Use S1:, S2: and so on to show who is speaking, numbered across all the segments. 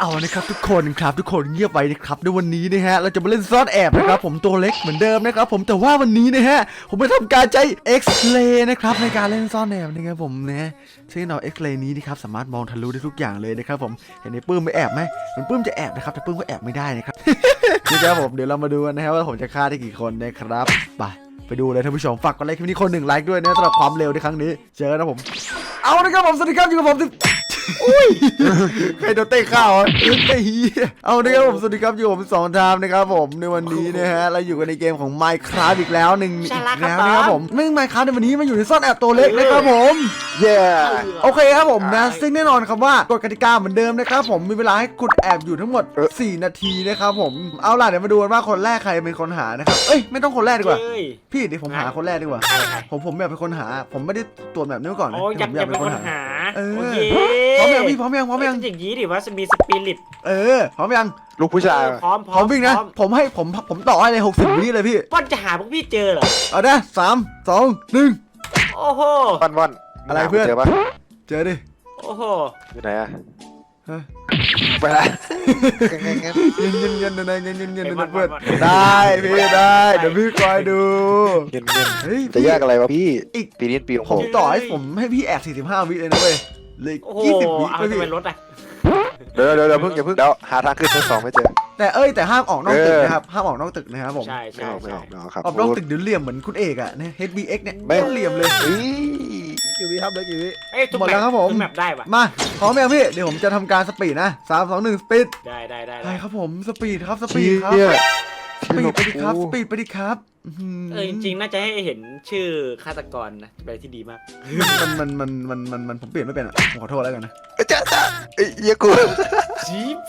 S1: เอานะครับทุกคนเงียบไว้นะครับในวันนี้นะฮะเราจะมาเล่นซ่อนแอบนะครับผมตัวเล็กเหมือนเดิมนะครับผมแต่ว่าวันนี้นะฮะผมไปทำการใช้ X-ray นะครับในการเล่นซ่อนแอบนะครับผมนะซึ่งเรา X-ray นี้นะครับสามารถมองทะลุได้ทุกอย่างเลยนะครับผมเห็นในปื้มไม่แอบไหมมันปื้มจะแอบนะครับแต่ปื้มก็แอบไม่ได้นะครับ นะครับผมเดี๋ยวเรามาดูกันนะฮะว่าผมจะฆ่าได้กี่คนนะครับไปดูเลยท่านผู้ชมฝากกดไลค์คลิปนี้คน1 ไลค์ด้วยนะสำหรับความเร็วในครั้งนี้เจอนะผมเอาละครับผมสวัสดีครับอยู่กับผมอุ้ยใครโดนเตะข้าวเอาละครับผมสวัสดีครับอยู่กับผม2 ไทม์นะครับผมในวันนี้นะฮะเราอยู่กันในเกมของ Minecraft อีกแล้วแล้วนะครับผมไม่ Minecraft ในวันนี้มาอยู่ในซ่อนแอบตัวเล็กนะครับผมโอเคครับผมนะซึ่งแน่นอนครับว่ากฎกติกาเหมือนเดิมนะครับผมมีเวลาให้คุณแอบอยู่ทั้งหมด4 นาทีนะครับผมเอาล่ะเดี๋ยวมาดูกันว่าคนแรกใครเป็นคนหานะครับเอ้ยไม่ต้องคนแรกดีกว่าพี่เดี๋ยวผมหาคนแรกดีกว่าผมแบบเป็นคนหาผมไม่ได้ตรวจแบบนี้มาก่อนนะผมอยากเป็นคนหาพร้อมยังพี่พร้อมยัง
S2: อย่างนี้ดิว่าจะมีสปิริต
S1: พร้อมยัง
S3: ลูกผู้ชาย
S2: พร้อม
S1: วิ่งนะผมต่อให้เลย60 วิเลยพี่
S2: ป้อนจะหาพวกพี่เจอเหรอ
S1: เอาได้3 2 1
S2: โอ้โห
S3: ว่อน
S1: อะไรเพื่อน
S3: เจอปะ
S1: เจอดิ
S2: โอ้โห
S3: อยู่ไหนอะไปละ
S1: เงินเพื่อนได้พี่ได้เดี๋ยวพี่คอยดู
S3: เงินจะยากอะไรวะพี่
S1: อีก
S3: ปีนี้ปีของ
S1: ผมต่อให้ผมให้พี่แอบ45 วิเลยนะเว้ยเลย20 วิ
S2: เอาจะเป็นรถอะ
S3: เดี๋ยวอย่าเพิ่งเดี๋ยวหาทางขึ้นชั้น2ไม่เจอ
S1: แต่ห้ามออกนอกตึกนะครับห้ามออกนอกตึกนะครับผม
S2: ใช่
S3: ไม่ออกครับ
S1: ออกนอกตึกเดี๋ยวเหลี่ยมเหมือนคุณเอกอะเนี่ย HBX เนี่ยไม่เหลี่ยมเลยกี่วิครับเลยกี่วิหมดแล้วครับผม
S2: แมปได้ปะ
S1: มาพร้อมยังพี่เดี๋ยวผมจะทำการสปีดนะ3 2 1สปีด
S2: ได้
S1: ครับผมสปีดครับสปีดไปดิครับสปีดไปดิครับ
S2: จริงๆน่าจะให้เห็นชื่อฆาตกรนะเป็นที่ดีมาก
S1: มันผมเปลี่ยนไม่เป็นอ่ะผมขอโทษแล้วกันนะ
S3: จ้าเยี่ยกู
S2: จี๊บ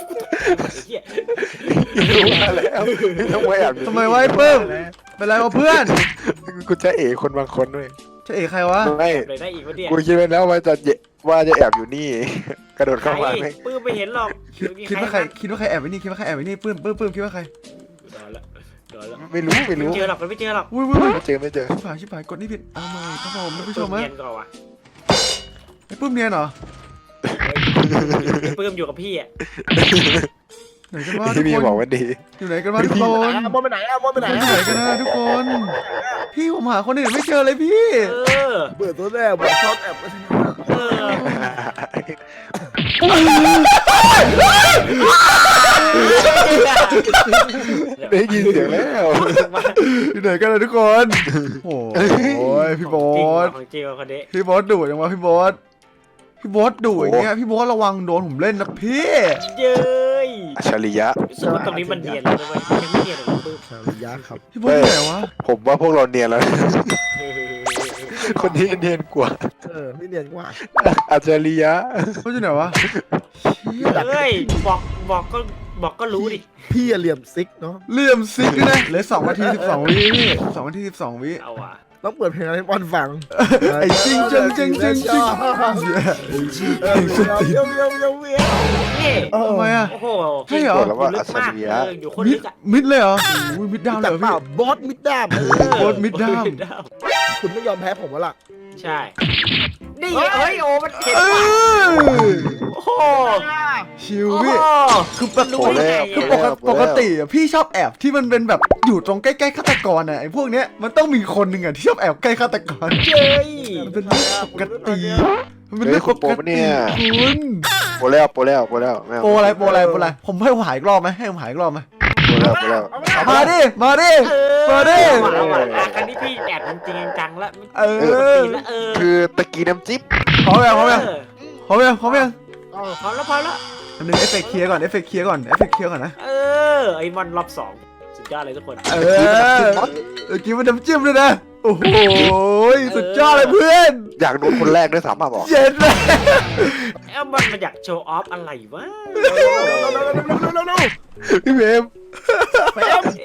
S3: มาแล้ว
S1: ทำไมวะเพิ่มเป็นไรวะเพื่อน
S3: กูจะคนบางคนด้วย
S1: จะใครวะ
S3: ไม่
S2: ได้อีกวะเนี่ย
S3: กูคิดไว้แล้วว่าจะแอบอยู่นี่กระโดดเข้ามาไม่
S2: ปื้มไม่เห็นหรอก
S1: คิดว่าใครแอบไว้นี่ปื้มคิดว่าใคร
S3: ไม่รู้
S2: ไม่เจอหรอกไม่เจอหรอก
S3: ไม่เจอ
S1: ชิบหายกดนี่ผิดเอาใหม่ครับผมท่านผู้ชม
S2: เนียนก่อนวะ
S1: ไอ้ปื้มเนียนเหรอ
S2: ปื้มอยู่กับพี่อ่ะ
S1: ไหนกันวะทุกคน
S3: บอกว่าดี
S1: อยู่ไหนกันวะทุกคน
S3: มองไปไหน
S1: กันนะทุกคนพี่ผมหาคนอื่นไม่เจอเลยพี่
S3: เปิดตัวแรกบอกชอบแอบได้ยินเสียงแล้ว
S1: อยู่ไหนกันนะทุกคนโอ้ยพี่บอสดุจังวะพี่บอสดุอย่างเงี้ยพี่บอสระวังโดนผมเล่นนะพี่
S2: เย้ย
S3: ชริยะ
S2: สมมติตรงนี้มันเนียนแล้วด้วยยังไม่เนียนหรอกปื้ม
S3: ชริยะครับ
S1: พี่บอสไหนวะ
S3: ผมว่าพวกเราเนียนแล้วคนนี้เนียนกว่า
S1: ไม่เนียนกว่า
S3: อัจฉริยะ
S1: เขาอยู่ไหนวะ
S2: เฮ้ยบอกก็รู้ดิ
S3: พี่เหลี่ยมซิกเนาะ
S1: เหลี่ยมซิกนะเหลือ2 นาที 12 วินี่2 นาที 12 วิ
S2: เอาว่ะ
S3: ต้องเปิดเพลงให้บอลฟัง
S1: ไอ้จริงเยทำไมอ่ะ
S2: โอ้โห
S1: ใช่เหรอ
S3: แล้วว่าอัจฉริยะ
S2: อยู่คนลึกอ่ะ
S1: มิดเลยเหรอมิดดาวเลยพี่
S3: บอสมิดดามคุณไม่ยอมแพ้ผมวะล่ะ
S2: ใช่นี่เฮ้ยโอ้มันเห็นโอ้โห
S1: ชิวพี่คือปกติอ่ะพี่ชอบแอบที่มันเป็นแบบอยู่ตรงใกล้ๆฆาตกรอ่ะไอ้พวกเนี้ยมันต้องมีคนหนึ่งอ่ะที่ชอบแอบใกล้ฆาตกร
S2: เย้ย
S1: มันเป็นเรื่องปกติมันเป็นเรื่องปกติคุณ
S3: โปแล้ว
S1: อะไรผมให้หายอีกรอบไหมให้ผมหายอีกรอบไหมมาดิ
S2: ครั้งนี้พี่แอบจริงจังแล้ว
S3: คือตะกี้น้ำจิ๊บ
S1: พร้อมยังพร้อมแล้ว
S2: นึง
S1: เอฟเฟกต์เคลียร์ก่อนนะ
S2: ไอ้มอนรอบ2สุดยอดเลยทุกคน
S1: กินมันน้ำจิ้มเลยนะโอ้โหสุดยอดเลยเพื่อน
S3: อยากโดนคนแรกด้วยซ้ำบอก
S1: เย็นเลย
S2: มันอยากโชว์ออฟอะไรวะ
S3: พี่เบม
S1: ไหน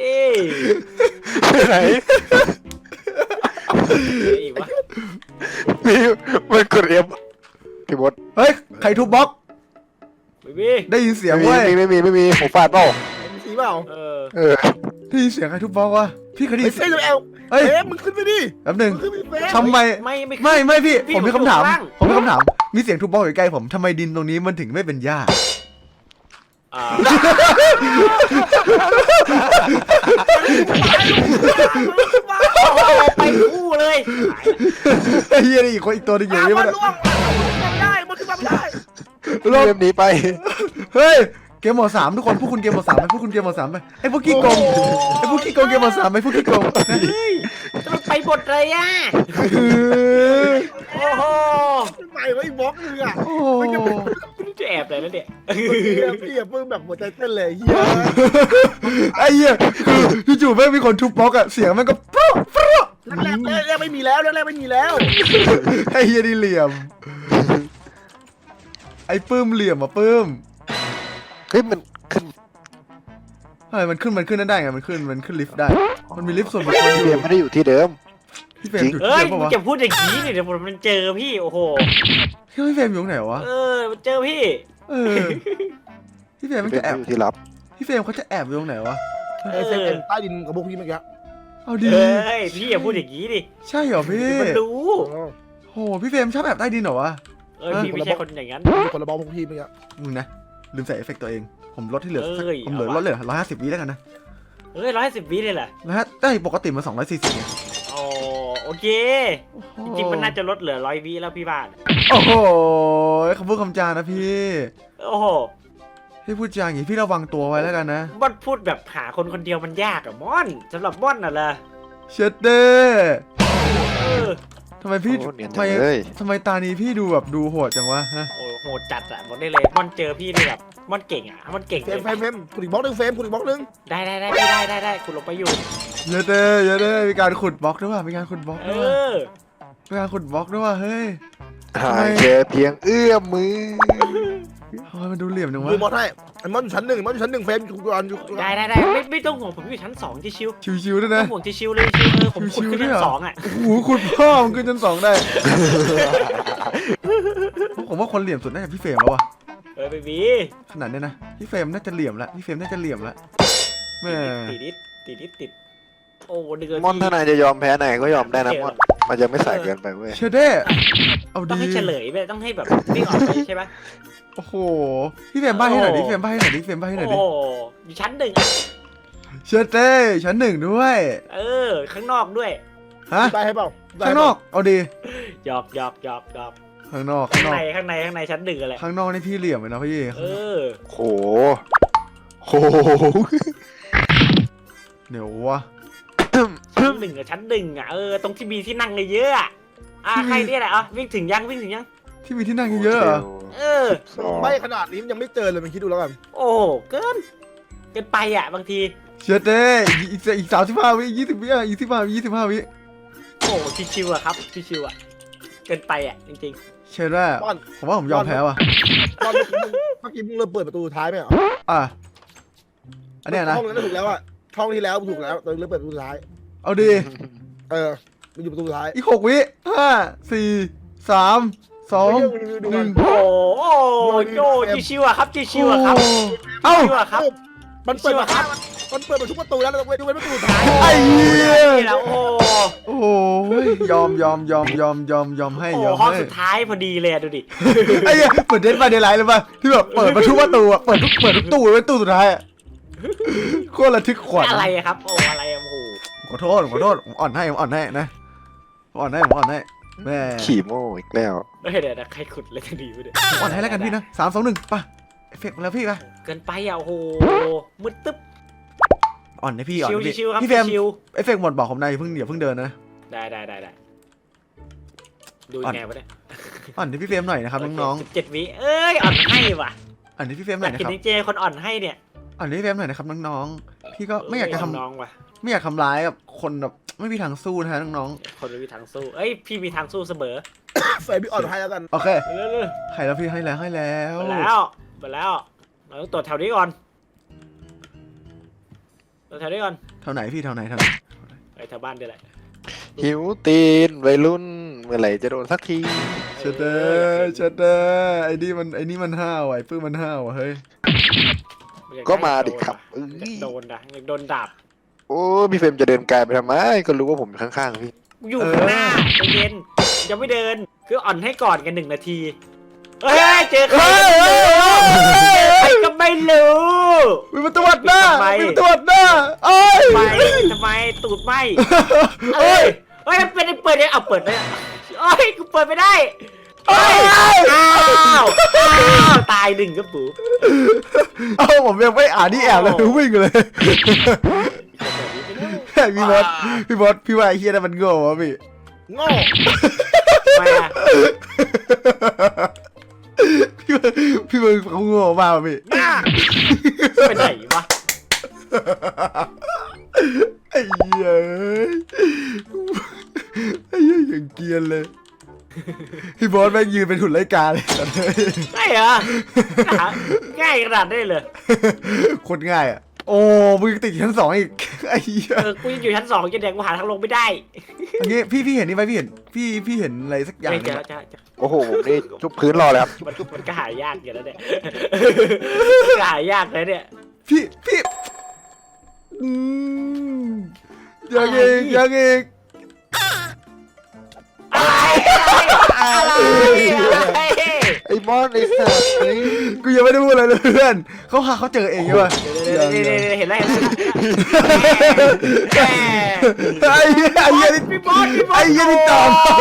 S3: มันกดเอฟพี่บด
S1: เฮ้ยใครทุบบล็อกได้ยินเสียงเว้ย
S3: ไม่มีผมฟาดเปล่า
S1: สีเปล่าได้ยินเสียงใครทุบบล็อกวะพี่คดี
S3: เฮ้ยมึงขึ้นไปดิ
S1: แป๊บนึงทำไมไม่พี่ผมมีคำถามมีเสียงทุบบล็อกอยู่ใกล้ผมทำไมดินตรงนี้มันถึงไม่เป็นหญ้า
S2: ไปคู่เลย
S1: ไอ้เหี้ยนี่อีกคนอีกตัวหนึงอยู่
S4: อ้าว
S1: นี่
S4: มั
S1: มัน น
S4: ล่วงมันไม่ได้มันขึ้นมาไม่ได้
S1: ลบ
S3: เกมนี้ไป
S1: เฮ้ยเกมหมด3ทุกคนพวกคุณเกมหมด3ไปพวกคุณเกมหมด3ไปไอ้พวกขี้โกงไอ้พวกขี้โกงเกมหมด3ไปพวกขี้โกง
S2: จะไปบทเลยอ่ะโอ้โห
S4: ใหม่ไว้บล็อกนึงอ่ะ
S1: โอ้โห
S2: จะแอบเลยนะเนี่ย
S4: พี่อย่าเพิ่งแบบหัวใจเต้นเลยเฮีย
S1: ไอ้เหี้ยคือจู่ๆแม่งมีคนทุบบล็อกอะเสียงแม่งก็ฟรุ๊ฟรุ๊
S4: แรกไม่มีแล้วแรกไม่มีแล้ว
S1: ไอ้เหี้ยนี่เหลี่ยมไอ้ปื้มเหลี่ยมอ่ะปื้ม
S3: เฮ้ยมันขึ้น
S1: อะไรมันขึ้นนั่นได้ไงมันขึ้นลิฟต์ได้ มันมีลิฟต์ส่วนบุคคลอ
S3: เก
S1: ยู่
S3: มไม่ได้อยู่ที่เดิม
S1: พี่เฟรมอยู่
S2: เอ้
S1: ที่
S2: ย
S1: เดิม
S2: มึ
S1: ปะ
S2: ง
S1: วะ
S2: จะพูดอย่างนี้เนี่ยเดี๋ยวมันเจอพี่โอ้โห
S1: พี่เฟรมอยู่ตรงไหนวะ
S2: มันเจอพี่
S1: เออพี่เฟรมมัน
S3: เก
S1: จะ
S3: ม
S1: แอบ
S3: ไม่อยู่ที่ลับ
S1: พี่เฟรมเขาจะแอบอยู่ตรงไหนวะ
S4: ไอ้เซนเป็นใต้ดินกับพวกพี่เมื่อกี้
S1: เอาดี
S2: เอ้ยพี่อย่าพูดอย่างนี้ดิ
S1: ใช่เหรอพี่
S2: มันรู้
S1: โหพี่เฟรมชอบแอบใต้ดินเหรอวะ
S2: พี่ไม่ใช่คนอย่างนั้น
S4: มีคนละบอลพวกพี่เมื่อกี้
S1: มึงนะลืมใส่เอฟเฟกต์ตัวเองผมลดที่เหลือ
S2: เอ้ย
S1: ผมเหลือ
S2: เอาวะ
S1: ลดเหลือ150วิแล้วกันนะ
S2: 110 วิเลยแหละ
S1: นะฮะได้ปกติมัน240ไง
S2: โอเคจริงๆมันน่าจะลดเหลือ100 วิแล้วพี่บ้าน
S1: โอ้โหคำพูดคำจานะพี่
S2: โอ้โห
S1: พี่พูดจาอย่างนี้พี่ระวังตัวไว้แล้วกันนะ
S2: ม่อนพูดแบบหาคนคนเดียวมันยากอะม่อนสำหรับม่อนน่ะล่ะ
S1: เชดเด้
S2: เออ
S1: ทำไมพี่
S3: โอ้เนียน
S1: ทำ
S3: จั
S1: ไม
S3: งเลย
S1: ทำไมตานี้พี่ดูแบบดูโหดจังวะฮะ
S2: โอ้โหจัดอะบอกได้เลยม่อนเจอพี่นี่แบบม่อนเก่งอะม่อนเก่ง
S4: เฟ
S2: เล
S4: ร
S2: ย
S4: มคุณอีกบล็อกนึงเฟรมคุณอีกบล็อกนึง
S2: ได้คุณลงไปอยู่
S1: เยอะเด้เยอะเด้มีการขุดบล็อกด้วยว่ะมีการขุดบล็อก
S2: เอ
S1: ด้วยว่ะ
S2: อ
S1: มีการขุดบล็อกด้วยว่ะเฮ้ย
S3: ห่างแค่เพียงเอื้อมมือ
S1: ทำไมมันดูเหลี่ยมจังวะ
S4: ดูมอสให้ไอ้มอสอยู่ชั้นหนึ่งมอสอยู่ชั้นหนึ่งเฟรมอยู่ก่อนอยู่
S2: ได้ไม่ต้องห่วงผมอยู่ชั้น2ที่ชิว
S1: ชิวๆด้วย
S2: ต้อ
S1: นะ
S2: งห่วงที่ชิวเลยชิวผมขุดขึ้นชั้น2อะ
S1: โอ้โหขุดพ่อมันขึ้นชั้น2ได้ ผมว่าคนเหลี่ยมสุดน่าจะพี่เฟรมแล้ววะ
S2: เบบี
S1: ขนาดเนี้ยนะพี่เฟรมน่าจะเหลี่ยมละพี่เฟรมน่าจะเหลี่ยมละแม่
S2: ติดโอ้เดือด
S3: มอนถ้านายจะยอมแพ้นายก็ยอมได้นะมอนมันจะไม่ใส่เกินไปเว้ย
S1: เชดเด้เอา
S2: ต้อง
S1: ดี
S2: ให้เฉลยไปต้องให้แบบวิ่งออกไปใช่ปะ
S1: โอ้โหพี่เฟรมใบ้ให้หน่อยดิพี่เฟรมใบ้ให้หน่อยดิพี่เฟรมใบ้ให้หน่อยดิ
S2: โอ้อยู่ชั้น1อะ
S1: เชดเด้ชั้น1ด้วย
S2: ข้างนอกด้วย
S1: ฮะ
S4: ได้ให้เปล่า
S1: ข้างนอกเอาดี
S2: หยอก
S1: ข้างนอก
S2: ข้า
S1: ข้าง งนอก
S2: ในชั้น1อะไร
S1: ข้างนอกนี่พี่เหลี่ยมเลยนะพี่
S3: โหโห
S1: เดี๋ยววะ
S2: ชั้น1อะชั้น1อะตรงที่มีที่นั่งเยอะอะใครเนี่ยแหละวิ่งถึงยัง
S1: ที่มีที่นั่งเยอะๆเหรอ
S4: ไม่ขนาดนี้มันยังไม่เจอเลยมันคิดดูแล้วกัน
S2: โอ้เกินไปอะบางที
S1: เชดเด้อีก35 วิ20 วิอ่ะ25 วิ
S2: โอ้ชิวๆอะครับชิวๆอะเกินไปอะจริง
S1: เชดว่า
S4: บอล
S1: ผมว่าผมยอมแพ้ว่ะ
S4: บอลเมื่อกี้มึงเริ่มเปิดประตูสุดท้ายไหมเหรอ
S1: อ่ะอันเนี้ยนะ
S4: ห้องนั้นถูกแล้วอะห้องที่แล้วถูกแล้วตอนนี้เริ่มเปิดประตูสุดท้าย
S1: เอาดี
S4: มันอยู่ประตูสุดท้าย
S1: อีก6 วิ5 4 3 2
S4: ดูมัน
S2: ๆโอ้โยชิวๆอะครับชิวๆอะครับ
S1: เอ้า
S2: ชิวๆอะครับ
S4: มันเปิดมาครับมันเปิดมาทุกประตูแล้วเราต้องไปดูเป็นประตูสุดท้าย
S1: ไอ้เหี้ย
S2: นี่แล้วโอ้
S1: โอ้โหยอมให้ยอม
S2: ห้อง
S1: ให้
S2: สุดท้ายพอดีเลยดูดิ
S1: ไอ้เหี้ยเปิดเดนมาเดนไลท์เลยป่ะที่แบบเปิดมาทุกประตูอ่ะเปิดทุกตู้ไว้ตู้สุดท้ายอ่ะโคตรระทึกขวัญ
S2: อะไรอะครับอะไรอะโอ้โห
S1: ขอโทษผมอ่อนให้นะผมอ่อนให้แม่
S3: ขี่โม่อีกแล้ว
S2: เดี๋ยวใครขุดเลยทันทีวะเนี่ย
S1: ผมอ่อนให้แล้วกันพี่นะ3 2 1ป่ะเอฟเฟกต์มาแล้วพี่ป่ะ
S2: เกินไปอะโอ้โหมืดตึ๊บ
S1: อ่อนให้พี่อ่อน
S2: ชิวๆครับ
S1: พี่เฟรม
S2: ชิว
S1: เอฟเฟกต์หมดบอกผมนะอย่าเพิ่งเดินนะ
S2: ได้ดูยังไงวะเนี่ย
S1: อ่อนให้พี่เฟรมหน่อยนะครับน้อง
S2: 17 วิอ่อนให้ว่ะ
S1: ๆอ่อนให้พี่เฟรมห
S2: อ
S1: น่อย
S2: ยาก
S1: นะ
S2: กิน
S1: ครับ
S2: จริงๆคนอ่อนให้เนี่ย
S1: อ่อนให้พี่เฟรมหน่อยนะครับน้องๆพี่ก็ไม่อยากจะทำ
S2: น้องว่ะ
S1: ไม่อยากทำร้ายกับคนแบบไม่มีทางสู้นะฮะน้อง
S2: คนไม่มีทางสู้พี่มีทางสู้เสมอ
S4: เฟรมพี่อ่อนให้แล้วกัน
S1: ๆโอเค
S2: เร็ว
S1: ให้แล้วพี่ให้แล้ว
S2: ๆมาแล้วเราต้องตรวจแถวนี้ก่อนตรวจแถวนี้ก่อน
S1: แถวไหนพี่แถวไหน
S2: แถวบ้านเดี๋ยวแหละ
S3: หิวตีนวัยรุ่นเมื่อไหร่จะโดนสักที
S1: เชดเดอร์ไอ้นี่มันห้าวไอ้ปื้มมันห้าวเฮ้ย
S3: ก็มาดิครับ
S2: โดนนะอยากโดนดาบ
S3: โอ้พี่เฟรมจะเดินไกลไปทำไมก็รู้ว่าผมอยู่ข้างๆพี่
S2: อยู่ข้างหน้าใจเย็นยังไม่เดินคืออ่อนให้ก่อนกัน1 นาทีเจอใครใครก็ไม่รู้
S1: มีประตูอัดหน้ามีประตูอัดหน้าเอ้ย
S2: ทำไมตูดไหมเอ้ยเฮ้ยเป็นเปิดได้เอาเปิดได้เอ้ยกูเปิดไม่ได้เอ้ยอ้าวตายหนึ่งครับปู่
S1: เอ้าผมยังไม่อ่านนี่แอบเลยวิ่งเลยพี่บอสพี่ว่าไอ้เฮียนั่นมันโง่วะพี่
S4: โง่
S2: มา
S1: พี่มึงเขาโง่มากพี่
S4: หน้า
S2: ไปไหนวะ
S1: ไอ้เหี้ยไอ้เหี้ยอย่างเกรียนเลยพี่บอสแม่งยืนเป็นหุ่นไร้กาเลย
S2: ใช่เหรอง่ายขนาดได้เลย
S1: โคตรง่ายอ่ะโอ้มึงติดชั้น 2อีกไอ้เหี้ย
S2: กูยังอยู่ชั้น2จะแดงกูหาทางลงไม่ได้
S1: อันนี้พี่เห็นนี่ไหมพี่เห็นพี่เห็นอะไรสักอย่าง
S2: ไม่
S1: ห
S2: เจ
S1: นึ่ง
S2: อ
S1: อะ
S2: จะ
S3: โอ้โหผมนี่จุบพื้นรอเลยครับ
S2: มันก็หายากอย่างแล้วเนี่ยหายากเลยเนี่ย
S1: พี่อืมยังอีก
S2: อะไร
S3: ไอ้มอนไอ้สัตว์นี่
S1: กูยังไม่ได้พูดอะไรเลยเพื่อนเขาเจอเองใช่ป่ะ
S2: เห็นแล้ว
S1: ไอ้เหี้ยนี่
S2: พี่บอส
S1: ไอ้เหี้ยนี่ตอบ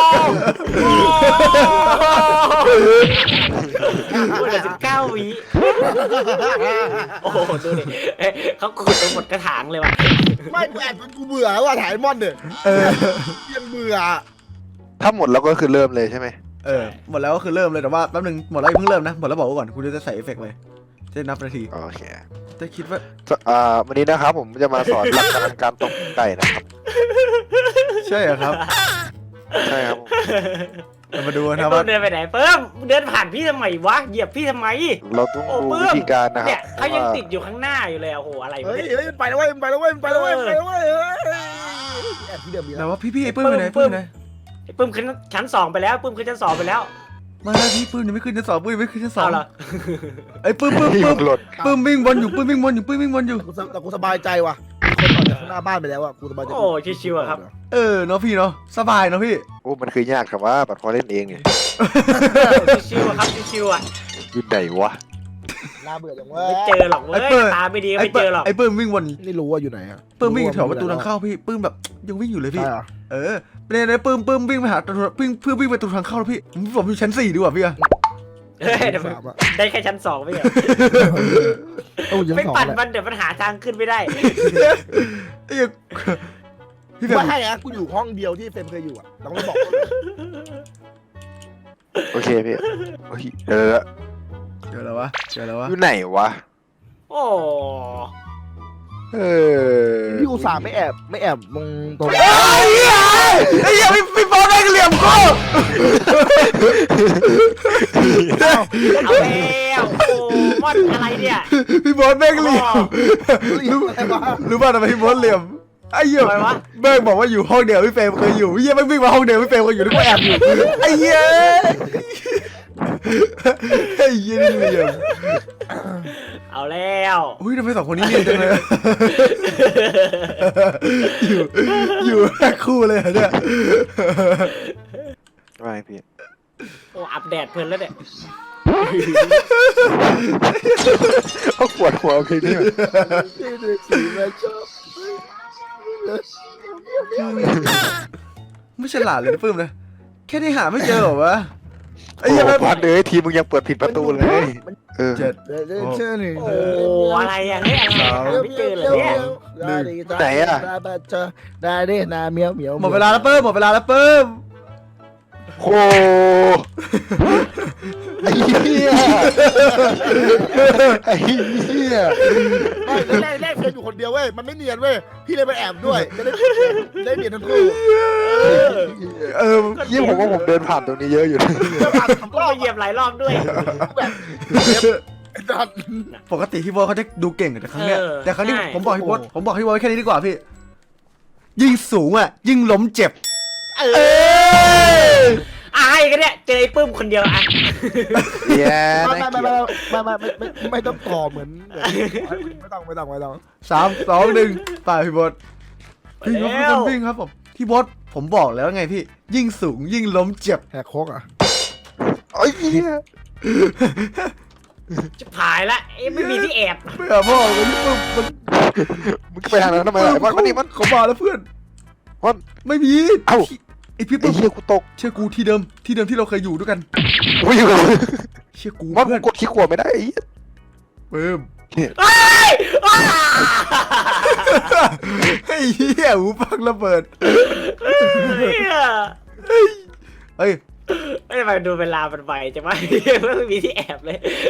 S2: พูดแต่19 วิโอ้โหดูดิเขาขุดไปหมดกระถางเลยว่ะ
S4: ไม่กูแอบจนกูเบื่อว่าถ่ายมอนเนี่ยยังเบื่อ
S3: ถ้าหมดแล้วก็คือเริ่มเลยใช่ไหม
S1: หมดแล้วก็คือเริ่มเลยแต่ว่าแป๊บนึงหมดแล้วอย่าเพิ่งเริ่มนะหมดแล้วบอกไว้ก่อนคุณจะใส่เอฟเฟกต์เลยจะนับนาที
S3: โอเค
S1: จะคิดว่า
S3: วันนี้นะครับผมจะมาสอนหลักการการตกไก่นะครับ
S1: ใช่เหรอครับ
S3: ใช่ครับผม
S1: เรามาดู
S2: ไอ้
S1: นะ
S2: เพิ่
S1: ว่าม
S2: เดินไปไหนเพิ่มเดินผ่านพี่ทำไมวะเหยียบพี่ทำไม
S3: เราต้องดูวิธีการนะครั
S2: เนี่ย
S3: บ
S2: เขายังติดอยู่ข้างหน้าอยู่เลยโอ้โหอะไรวะ
S4: เฮ้ย
S2: เนี่ย
S4: เฮ้ยมันไปแล้วเว้ยมันไปแล้วเว้ยมันไปแล้วเว้ยมันไปแล้วเว้ยแอบที่เดิมมี
S1: แต่
S4: แล้ว
S1: ว่าพี่ไอ้ปื้มไปไหนปื้มไหน
S2: ไอ้ปื้มขึ้นชั้น2ไปแล้วปื้มขึ้นชั้น2ไปแล้ว
S1: มาแล้วพี่ปื้มยังไม่ขึ้นชั้น 2ปื้มยังไม่ขึ้นชั้น 2
S2: เอาเหรอ
S1: ไอ้ปื้ม
S3: หลด
S1: วิ่งวนอยู่ปื้มวิ่งวนอยู่
S4: แต่กูสบายใจว่ะมีคนออกจากข้างหน้าบ้านไปแล้วอ่ะกูสบายใจ
S2: โอ้ชิวๆอะครับ
S1: เนาะพี่เนาะสบายเนาะพี่
S3: โอ้มันคือยากครับว่าบัดพอเล่นเองเนี่ย
S2: ชิวๆอะครับชิวๆอะ
S3: อยู่ไหนวะ
S4: น่าเบื่อจังเว้ย
S2: ไม่เจอหรอกเว้ยตาไม่ดีไม่เจอหรอก
S1: ไอ้ปื้มวิ่งวน
S4: ไม่รู้ว่าอยู่ไหนอ่ะ
S1: ปื้มวิ่งแถวประตูทางเข้าพี่ปื้มแบบยังวิ่งอยู่เลยพี่
S4: ใช่เหรอ
S1: เนี่ยปื้มวิ่งไปหาวิ่งไปประตูทางเข้าแล้วพี่ผมอยู่ชั้น 4ดีกว่าพี่อะ
S2: เฮ้ยเดี๋ยว
S4: สามอ่ะ
S2: ได้แค่ชั้น2ไม่เหรอ
S4: โอ้ยัง
S2: ไม่
S4: สอง
S2: ปั่น
S4: แหละ
S2: มันเดี๋ยวมันหาทางขึ้นไม่ได้
S1: ไอ้เหี้ยพี่แบ
S4: ไม่
S1: บ
S4: ให้อะกูอยู่ห้องเดียวที่เฟรมเคยอยู่อ่ะเราไม่บอก
S3: โอเคพี่โอ้ยเจอแล้ว
S1: เจอแล้ววะ
S3: อยู่ไหนวะ
S2: โอ้
S4: พี่อุตส่าห์ไม่แอบมองตรง
S1: ไอ้เหี้ยพี่บอลได้เหลี่ยมกู
S2: เอาแล้วโอ้มอนอะไรเนี่ย
S1: พี่บอลแม่งเหลี่ยม
S4: อะไรวะ
S1: รู้ป่ะทำไมพี่บอลเหลี่ยมไอ้เหี้ยแม่งบอกว่าอยู่ห้องเดียวพี่เฟรมเคยอยู่เหี้ยแม่งวิ่งมาห้องเดียวพี่เฟรมเคยอยู่นึกว่าแอบอยู่ไอ้เหี้ยไอ้เหี้ยนี่เหลี่ยม
S2: เอาแล้ว
S1: อุ้ยทำไม2 คนนี้เนียนจังเลยอยู่แค่คู่เลยเหรอเนี่ย
S3: ไม่พี่
S2: โอ้อัปเดตเพลินแล้วเนี่ย
S3: เขาปวดหัวเพลงนี้
S4: สีแม่ชอบ
S1: ไม่ฉลาดเลยนะปื้มนะแค่นี้หาไม่เจอเหรอวะไอ้
S3: โอ้
S1: เหี้ยแม่ง
S3: พันเลยทีมึงยังเปิดผิดประตูเลยเออ
S1: 7
S4: เชื่อหนึ่ง
S2: โอ้อะไรอ่ะเฮ้ยอะไรไม่เจอเลยเนี่ย
S4: ได้ดินาเมียวเหมียว
S1: หมดเวลาแล้วปื้มหมดเวลาแล้วปื้ม
S3: โอ้ไอ้เหี้ยไอ้เหี้ย
S4: แรกเพียงอยู่คนเดียวเว้ยมันไม่เนียนเว้ยพี่เลยไปแอบด้วยจะได้เนียนทั้งคู่
S3: ยี่ผมว่าผมเดินผ่านตรงนี้เยอะอยู่
S2: ก็เหยียบหลายรอบด้วย
S1: ปกติพี่บอลเขาจะดูเก่งแต่ครั้งเนี้ยแต่ครั้งนี้ผมบอกพี่บอลแค่นี้ดีกว่าพี่ยิ่งสูงอ่ะยิ่งล้มเจ็บ
S2: อายกันเนี่ยเจอไอ้ปื้มคนเดียวอ่ะ
S3: แย่
S4: ไม่ต้องต่อเหมือนไม่ต้อง
S1: 3 2 1ไปพี่บอลพี่ครับวิ่งครับผมพี่บอลผมบอกแล้วไงพี่ยิ่งสูงยิ่งล้มเจ็บ
S4: แหกโคกอ่ะ
S3: ไอ้เหี้ย
S2: จะผายละเอ้ยไม่มีที่แอบ
S1: ไม่เอาพ่อไอ้พี่ปื้มมัน
S3: มึงไปทางนั้นทำไมล่ะไอ้มันนี่มัน
S1: เขามาแล้วเพื่อน
S3: มัน
S1: ไม่มี
S3: เอ้า
S1: ไอพี่
S3: ไอ้
S1: ปื้ม
S3: เหี้ยกูตก
S1: เชื่อกูที่เดิมที่เราเคยอยู่ด้วยกัน
S3: กูอยู่กับมึง
S1: เชื่อกู
S3: มัน
S1: เพื่อน
S3: กดขี้ขวดไม่ได้ไอ้เหี้ย
S1: ปื้ม
S2: เฮ้ยอ้า
S1: ไอ้เหี้ยหูฟังระเบิด
S2: เฮ้ย
S1: เฮ้ย
S2: ไม่ทำไมดูเวลามันไวจังวะไม่มีที่แอบเลย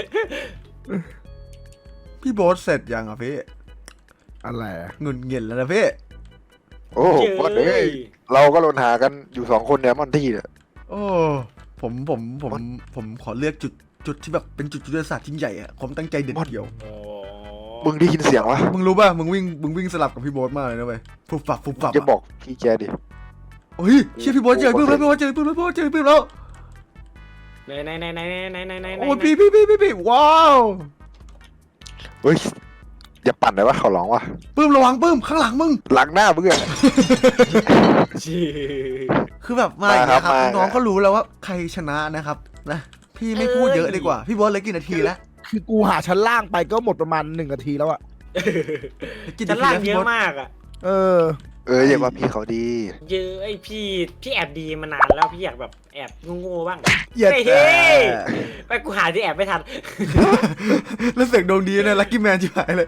S1: พี่โบ๊ทเสร็จยังอ่ะพี่
S4: อะไร
S1: เงินเงินแล้วนะพี่
S3: โอ้โหบอสเอ้ยเราก็ลนหากันอยู่2 คนเนี่ยมันที่เนี่ย
S1: โอ้ผมขอเลือกจุดที่แบบเป็นจุดยุทธศาสตร์ยิ่งใหญ่อะผมตั้งใจเด็ดเดียว
S2: โอ้
S3: มึงได้ยินเสียงวะ
S1: มึงรู้ป่ะมึงวิ่งสลับกับพี่โบ๊ทมากเลยนะเว้ยฟุบฟับ
S3: จะบอกพี่แกดิ
S1: เฮ้ยเชื่อพี่โบ๊ทเจอปื้มแล้วพี่โบ๊ทเจอปื้มแล้ว
S2: ไหน
S1: โอ้ยพี่ว้าว
S3: เฮ้ยอย่าปั่นเลยวะเขาร้องวะ
S1: ปื้มระวังปื้มข้างหลังมึง
S3: หลังหน้ามึงอะ
S1: คือแบบมาอย่างเงี้ยครับ
S3: มาครับ
S1: น้องก็รู้แล้วว่าใครชนะนะครับนะพี่ไม่พูดเยอะดีกว่าพี่โบ๊ทเหลือกี่นาทีแล้ว
S4: คือกูหาชั้นล่างไปก็หมดประมาณ1 นาทีแล้วอะ
S1: กี่
S2: ชั้
S1: นาน ที
S2: ล่าง
S1: แล้ว
S2: เย
S1: พี่
S2: อะ
S1: โบ๊ท
S2: มากอ่ะ
S4: เออ
S3: อย่าว่าพี่เขาดี
S2: เยอะไอพี่แอบดีมานานแล้วพี่อยากแบบแอบโง่ๆบ้าง
S1: เหยียด
S2: เฮ้ย
S1: แต่
S2: ไปกูหาที่แอบไม่ทัน
S1: แล้วเสียงดวงดีนะลักกี้แมนจิ๋วหายเลย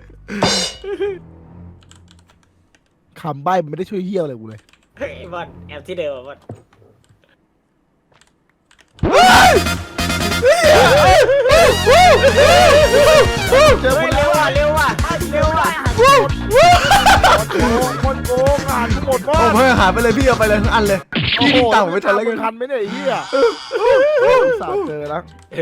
S4: คำใบ้มันไม่ได้ช่วยเฮี้ยอะไรกูเลย
S2: เฮ้ยบอลแอบที่เดิมอะบอล
S4: เจอ
S2: เฮ้
S4: ค
S2: ย
S4: น
S2: เร็
S4: แล้ว ว
S2: ว่ะเร็วว่ะเร็วว่ะ
S4: คนโกงอ่านทั้งหมดว่า
S1: ผมให้อาหารไปเลยพี่เอาไปเลยทั้งอันเลยพี่นี่ตังค์ผมไม่ทันแล้วกัน
S4: ทันไหมเนี่ยไอ้เหี้ยสาดเจอแล้ว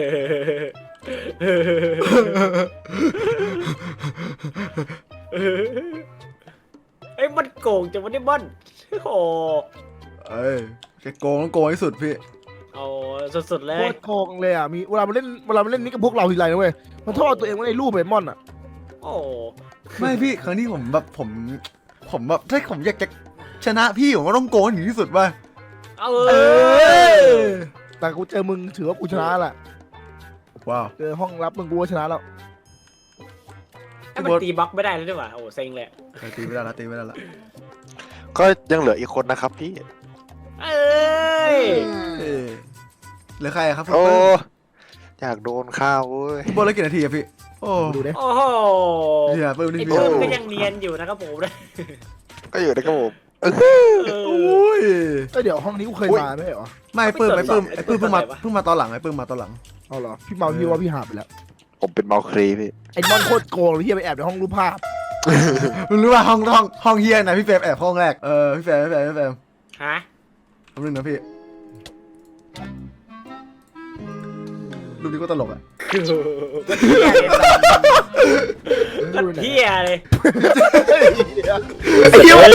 S2: เฮ้ยมันโกงจังวะเนี่ยบอลโอ้
S1: เอ้ยจะโกงต้องโกงให้สุดพี่
S2: โอ้สุดๆเล
S4: โค
S2: ย
S4: ตรโกงเลยอ่ะมีเวลามันเล่นนี่กับพวกเราทีไรนะเว้ยมันโทษตัวเองว่าในรูปเบมอนอ่ะ
S2: โอ้
S1: ไม่พี่ครั้งนี้ผมแบบผมแบบถ้าผมอยากจะชนะพี่ผมก็ต้องโกงถึงที่สุดป่ะ
S2: เออ
S4: แต่กูเจอมึงถือว่ากูชนะแหละ
S1: ว้าว
S4: เจอห้องรับมึงกูก็ชนะแล้ว
S2: ให้มันตีบล็อกไม่ได้แล้วด้วยว่ะโอ้เซ็งเลย
S1: ตีไม่ได้ละตีไม่ได้ละ
S3: ก็ยังเหลืออีกคนนะครับพี่
S2: เอ้ย
S1: เหลือใครอะครับคุณ
S3: โอ้
S1: เปิ้ล
S3: อยากโดนข้าวเว้ย
S1: พี่โบอลแล้วกี่นาทีอะพี่โอ้
S4: ดูดิ
S2: โอ้โห
S1: เนี่ยเปิ้ลนี่
S2: ไอ้
S1: พี่
S2: เพิ่มก็ยังเนียนอยู่นะครับผมนะ
S3: ก็อยู่ในกระผม
S1: โอ้ย
S4: ก็เดี๋ยวห้องนี้กูเคยมาไม่ใช่เหรอ
S1: ไม่เปิ้ลเพิ่งมาตอนหลังไอ้เปิ้ลมาตอนหลัง
S4: เอาเหรอพี่เมาพี่ว่าพี่หาไปแล้ว
S3: ผมเป็นเมาครีพี่
S4: ไอ้มอนโคตรโกงเลยที่ไปแอบในห้องรูปภาพ
S1: มึงรู้ว่าห้องเฮียนะพี่เฟรมแอบห้องแรกพี่เฟรม
S2: ฮะ
S1: แป๊บนึงนะพี่รูปนี้ก็ตลกอ่ะ
S2: ก็เที่ยเลย
S4: ไอ้เหี้ย